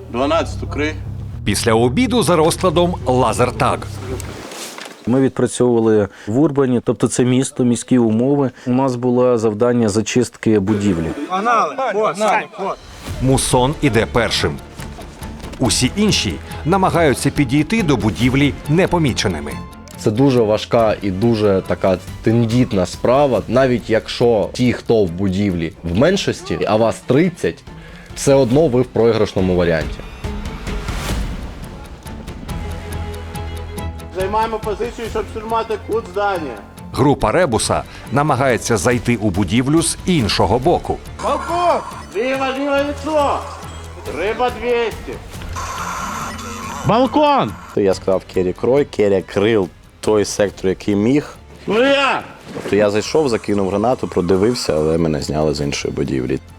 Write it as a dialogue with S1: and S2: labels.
S1: 12 укрий.
S2: Після обіду за розкладом лазертаг.
S3: Ми відпрацьовували в Урбані, тобто це місто, міські умови. У нас було завдання зачистки будівлі.
S2: Мусон іде першим. Усі інші намагаються підійти до будівлі непоміченими.
S4: Це дуже важка і дуже така тендітна справа. Навіть якщо ті, хто в будівлі в меншості, а вас 30, все одно ви в програшному варіанті.
S1: Займаємо позицію, щоб штурмувати кут здання.
S2: Група Ребуса намагається зайти у будівлю з іншого боку.
S1: Балкон! Ліво лицо! Риба 200. Балкон!
S5: То я сказав Кері крой, Керя крив той сектор, який міг.
S1: Ну я!
S5: Тобто я зайшов, закинув гранату, продивився, але мене зняли з іншої будівлі.